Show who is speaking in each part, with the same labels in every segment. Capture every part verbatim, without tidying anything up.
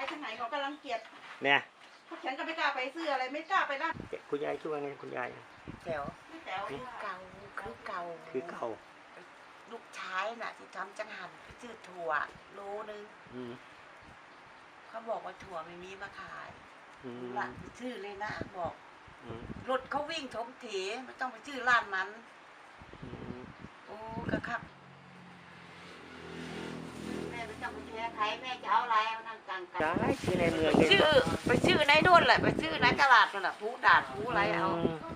Speaker 1: ทางไหนเขากำลังเกลียด
Speaker 2: เนี่ย
Speaker 1: พวกฉันก็ไม่กล้าไปซื้ออะไรไม่กล้าไปร้าน
Speaker 2: คุณยายชื่อว่าไงคุณยาย
Speaker 3: แจ๋ว
Speaker 1: ไม่แจ๋วคือ
Speaker 3: เก่าคือเก่า
Speaker 2: คือเก่า
Speaker 3: ลูกชายน่ะที่ทำจังหันไปซื้อถั่วโลนึงเขาบอกว่าถั่วไม่มีมาขายร้านชื่อเลยนะบอกรถเขาวิ่งถมเถไม่ต้องไปชื่อร้านมันโอ้กระคับแม่ไม่ต้องไปแช่ใครแม่จะเอาอะไรเอานั่งกลางกัน
Speaker 2: ได้ชื่อในเมือง
Speaker 3: ชื่อไปชื่อในโน่นแหละไปชื่อในตลาดนั่นแหละผู้ด่านผู้อะไรเอา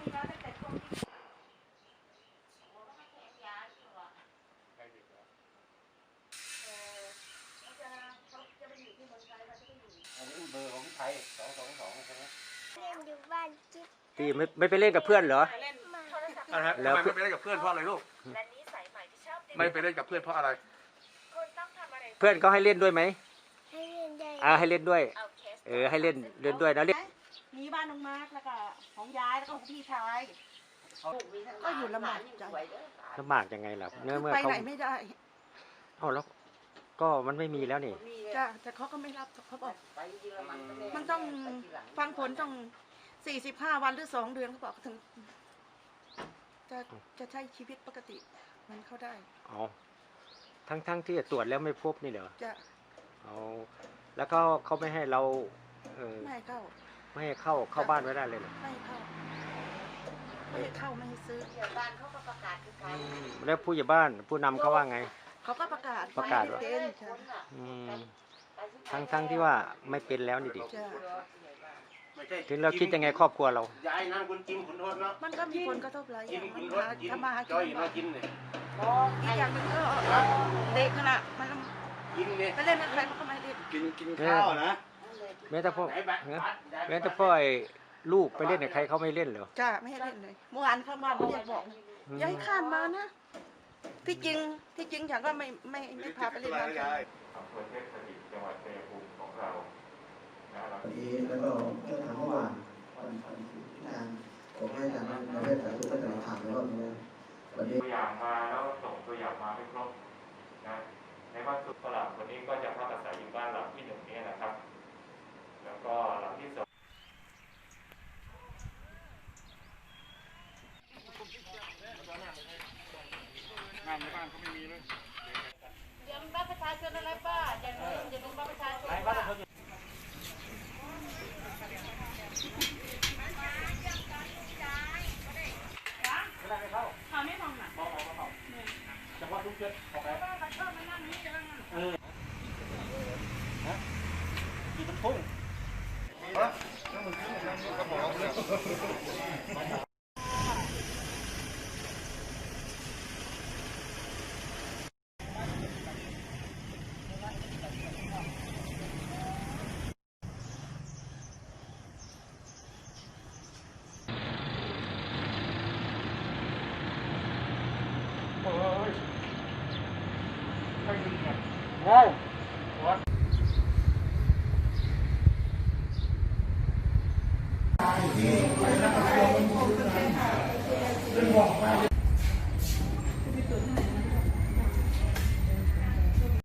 Speaker 4: อันนี้เบอร์ของพี่ไทยสองสองสองใช่ไหม
Speaker 5: เล่นอยู่บ้านจิ๊บ
Speaker 2: ตีไม่ไม่ไปเล่นกับเพื่อนเหรอ
Speaker 4: แล้วไม่ไปเล่นกับเพื่อนเพราะอะไรลูกไม่ไปเล่นกับเพื่อนเพราะอะไร
Speaker 2: เพื่อนเขาให้เล่นด้วยไหม
Speaker 5: ให้เล่นได้
Speaker 2: อ่าให้เล่นด้วยเออให้เล่นเล่นด้วยนะเล่น
Speaker 1: มีบ้านน้องมาร์กแล้วก็ของยายแล้วก็ของพี่ชายก็อยู่ลำบากจัง
Speaker 2: ลำบากยังไงล่ะเมื่อเมื่อ
Speaker 1: ไป
Speaker 2: เขา
Speaker 1: ไหนไม่ได้
Speaker 2: เอ้าแล้วก็มันไม่มีแล้วนี่
Speaker 1: จ้ะแต่เขาก็ไม่รับเขาบอกมันต้องฟังผลต้องสี่สิบห้าวันหรือสองเดือนเขาบอกถึงจะจะใช้ชีวิตปกติมันเข้าได้
Speaker 2: อ๋อทั้งทั้งที่ตรวจแล้วไม่พบนี่เหรอ
Speaker 1: จะ
Speaker 2: เอาแล้วเขาเขาไม่ให้เราเออ
Speaker 1: ไม่ให้เข้า
Speaker 2: ไม่ให้เข้าเข้าบ้านไม่ได้เลยเหรอ
Speaker 1: ไม่ให้เข้าไม่ให้เข้าไม่ให้ซื้อ
Speaker 3: บ้านเขาก็ประกาศคือการ
Speaker 2: แล้วผู้ใหญ่บ้านผู้นำเขาว่าไง
Speaker 1: เขาก็ประกาศ
Speaker 2: ประกาศว่าทั้งทั้งที่ว่าไม่เป็นแล้วนี่ดิถึงเราคิดยังไงครอบครัวเรา
Speaker 4: ยายนั่งคุณกินคุณโทษเนาะ
Speaker 1: มันก็มีผลกระทบหลายอย่างมันทำมาหา
Speaker 4: กินมากินเนี่ย
Speaker 1: อีกอย่างหนึ่งก็เด็กขนาดมัน
Speaker 4: กินเนี่ย
Speaker 1: ไปเล่นกับใครมันก็ไม่เล่น
Speaker 4: กินกินข้าวนะ
Speaker 2: แม้แต่พ่อแม้แต่พ่อไอ้ลูกไปเล่นกับใครเขาไม่เล่นเหรอ
Speaker 1: จ้าไม่ให้เล่นเลยเมื่อวานข้างบ้านเรียกบอกอย่าให้ข้ามมานะที่จริงที่จริงฉันก็ไม่ไม่ไม่พาไปเล่นน้ำกัน
Speaker 6: อำเภอเทพสถิตจังหวัดชัยภูมิของเรา
Speaker 7: วันนี้แล้วก็เมื่อทางเมื่อวานวันวันที่ทางผมให้ทางในเรื่องสาธารณสุขก็จะถามแล้วว่าวันนี้
Speaker 6: ตัวอย่างมาแล้วส่งตัวอย่างมาไม่ครบนะในวันสุดฝรั่งคนนี้ก็จะพักอาศัยอยู่บ้านหลังที่หนึ่งนี้นะครับแล้วก็หลังที่สอง
Speaker 4: งานในบ้านเขาไม่มีเลย
Speaker 1: เดี๋ยวบัตรประชาชนอะไรป้าอย่าลืมอย่าลืมบัตรประชาชนเขาไม่มองหนักมองมองเขาจังหวะทุกเชือกออกไปเออฮะกี่ต้นพุ่งฮะนั่นมันขึ้นนั่นกระบอกเลย
Speaker 6: เฮ้ยใครยิงเนี่ย
Speaker 2: เฮ้ย